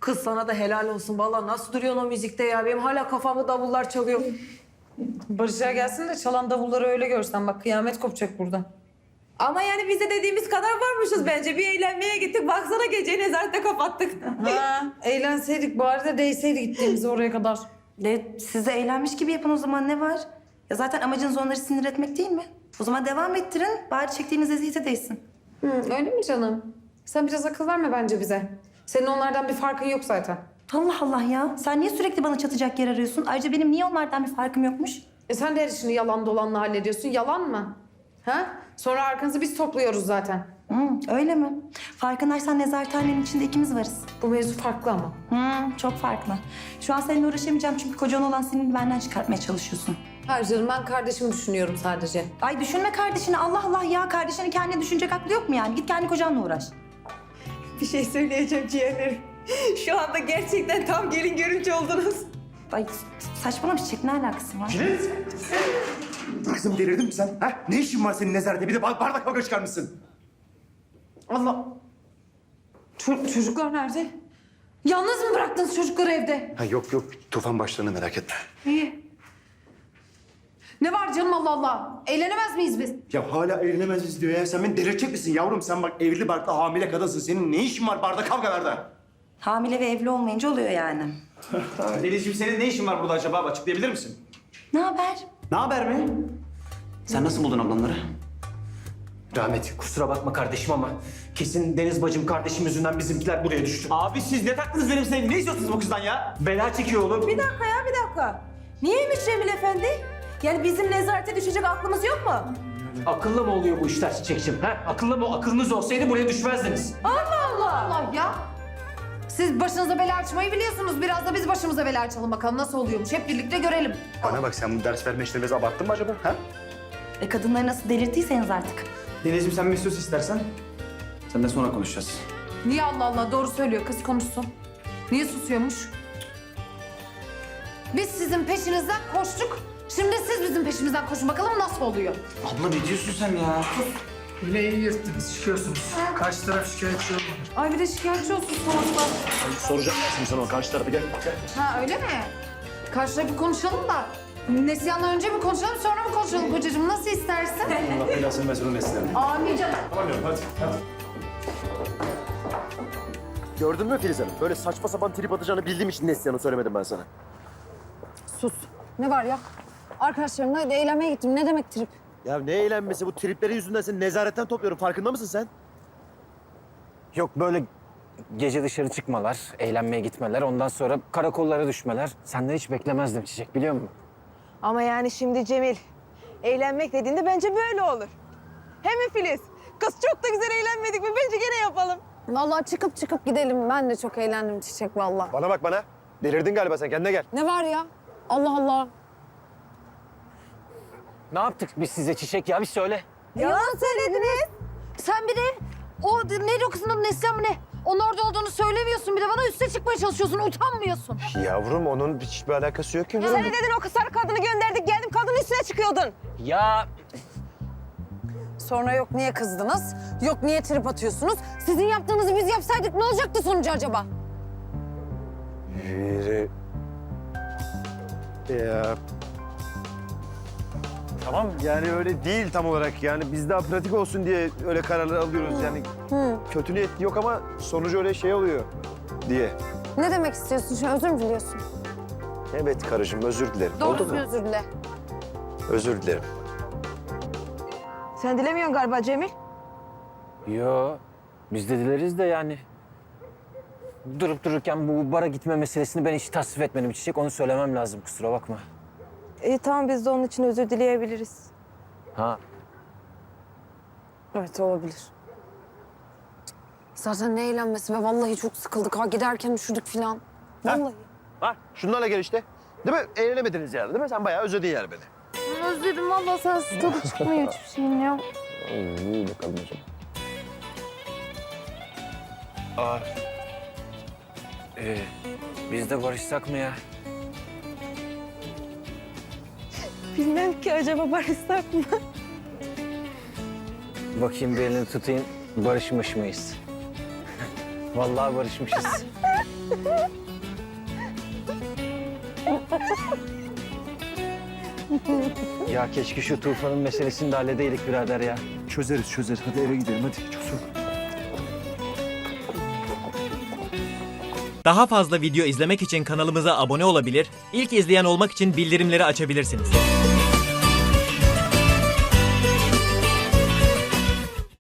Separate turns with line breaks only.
Kız sana da helal olsun. Vallahi nasıl duruyorsun o müzikte ya? Benim hala kafamda davullar çalıyor.
Barış'a gelsin de çalan davulları öyle görsen bak kıyamet kopacak burada.
Ama yani biz de dediğimiz kadar varmışız bence. Bir eğlenmeye gittik. Baksana geceyi nezarette kapattık.
Ha, eğlenseydik bari de değseydi gittiğimiz oraya kadar.
Siz de eğlenmiş gibi yapın o zaman, ne var? Ya zaten amacınız onları sinir etmek değil mi? O zaman devam ettirin, bari çektiğiniz eziyete değsin.
Öyle mi canım? Sen biraz akıl verme bence bize. Senin onlardan bir farkın yok zaten.
Allah Allah ya, sen niye sürekli bana çatacak yer arıyorsun? Ayrıca benim niye onlardan bir farkım yokmuş?
Sen de her işini yalan dolanla hallediyorsun. Yalan mı? Ha? Sonra arkanızı biz topluyoruz zaten.
Öyle mi? Farkındaysan nezarethanenin içinde ikimiz varız.
Bu mevzu farklı ama.
Çok farklı. Şu an seninle uğraşamayacağım çünkü kocan olan senin benden çıkartmaya çalışıyorsun.
Hayır canım ben kardeşimi düşünüyorum sadece.
Ay düşünme kardeşini, Allah Allah ya. Kardeşini kendine düşünecek aklı yok mu yani? Git kendi kocanla uğraş.
Bir şey söyleyeceğim ciğerlerim. Şu anda gerçekten tam gelin görünce oldunuz.
Ay saçmalama Çiçek, ne alakası var?
Filiz! Kızım delirdin mi sen? Ha? Ne işin var senin nezarette? Bir de bardak kavga çıkarmışsın.
Allah. Çocuklar nerede? Yalnız mı bıraktınız çocukları evde?
Ha, yok Tufan başlarına merak etme.
İyi. Ne var canım Allah Allah? Eğlenemez miyiz biz?
Ya hala eğlenemez diyor ya. Sen beni delirtecek misin yavrum? Sen bak evli barklı hamile kadınsın. Senin ne işin var bardak kavgalarda?
Hamile ve evli olmayınca oluyor yani.
Denizciğim senin ne işin var burada acaba? Açıklayabilir misin?
Ne haber?
Ne haber mi?
Sen nasıl buldun ablamları?
Rahmet, kusura bakma kardeşim ama kesin Deniz bacım kardeşim yüzünden bizimkiler buraya düştü.
Abi siz ne taktınız benim sevgilim? Ne istiyorsunuz bu kızdan ya?
Bela çekiyor oğlum.
Bir dakika. Niyeymiş Cemil Efendi? Yani bizim nezarete düşecek aklımız yok mu?
Akıllı mı oluyor bu işler Çiçekçim? Ha? Akıllı mı? Akılınız olsaydı buraya düşmezdiniz.
Allah ya. Siz başınıza bela açmayı biliyorsunuz. Biraz da biz başımıza bela açalım bakalım nasıl oluyormuş. Hep birlikte görelim.
Bana bak sen bu ders verme işlerini biraz abarttın mı acaba? Ha?
Kadınları nasıl delirttiyseniz artık.
Denizciğim sen bir sus istersen. Sen de sonra konuşacağız.
Niye Allah Allah doğru söylüyor kız konuşsun. Niye susuyormuş? Biz sizin peşinizden koştuk. Şimdi siz bizim peşimizden koşun bakalım nasıl oluyor.
Abla ne diyorsun sen ya?
Yine iyi yırttınız, çıkıyorsunuz. Karşı taraf şikayetçi olmadı.
Ay bir de şikayetçi olsun sonuçta.
Soracağım şimdi sana o karşı tarafı gel.
Ha öyle mi? Karşı tarafı konuşalım da. Neslihan'la önce mi konuşalım sonra mı konuşalım kocacığım? Nasıl istersin?
Allah belasını versin o mesleğini.
Amin canım.
Tamam diyorum hadi.
Gördün mü Filiz Hanım? Böyle saçma sapan trip atacağını bildiğim için Neslihan'ı söylemedim ben sana.
Sus. Ne var ya? Arkadaşlarımla eğlenmeye gittim. Ne demek trip?
Ya ne eğlenmesi? Bu triplerin yüzünden seni nezaretten topluyorum. Farkında mısın sen?
Yok böyle gece dışarı çıkmalar, eğlenmeye gitmeler, ondan sonra karakollara düşmeler. Senden hiç beklemezdim Çiçek, biliyor musun?
Ama yani şimdi Cemil, eğlenmek dediğinde bence böyle olur. He mi Filiz? Kız çok da güzel eğlenmedik mi? Bence gene yapalım.
Vallahi çıkıp gidelim. Ben de çok eğlendim Çiçek vallahi.
Bana bak bana. Delirdin galiba sen. Kendine gel.
Ne var ya? Allah Allah.
Ne yaptık biz size Çiçek ya, bir söyle.
Yalan söylediniz. Sen bir de o neydi o kızın adı Neslihan mı ne? Onun orada olduğunu söylemiyorsun. Bir de bana üste çıkmaya çalışıyorsun. Utanmıyorsun.
Yavrum onun hiçbir alakası yok ki.
Sen ne dedin, o kız sarı kadını gönderdik, geldim kadının üstüne çıkıyordun.
Ya
Sonra yok niye kızdınız? Yok niye trip atıyorsunuz? Sizin yaptığınızı biz yapsaydık ne olacaktı sonucu acaba?
Ya. Tamam yani öyle değil tam olarak. Yani biz daha pratik olsun diye öyle kararlar alıyoruz. Yani kötü niyet yok ama sonucu öyle şey oluyor diye.
Ne demek istiyorsun? Şu an özür mü diliyorsun?
Evet karıcığım özür dilerim. Oldu
Doğrusu
mu?
özür dile.
Özür dilerim.
Sen dilemiyorsun galiba Cemil.
yo, biz de dileriz de yani. Durup dururken bu bara gitme meselesini ben hiç tasvip etmedim Çiçek. Onu söylemem lazım, kusura bakma.
İyi tamam, biz de onun için özür dileyebiliriz.
Ha,
Evet olabilir. Zaten ne eğlenmesi ve vallahi çok sıkıldık ha. Giderken üşüdük falan. Vallahi.
Ha şunlarla gel işte. Değil mi? Eğlenemediniz yani değil mi? Sen bayağı özledin yani beni.
Özledim vallahi, sensiz tadı çıkmıyor hiçbir şeyin ya.
İyi bakalım o zaman.
biz de barışsak mı ya?
Bilmem ki, acaba barışsak mı?
Bakayım bir elini tutayım, barışmış mıyız? Vallahi barışmışız. Ya keşke şu Tufan'ın meselesini de halledeydik birader ya.
Çözeriz. Hadi eve gidelim hadi. Çok
Daha fazla video izlemek için kanalımıza abone olabilir, ilk izleyen olmak için bildirimleri açabilirsiniz.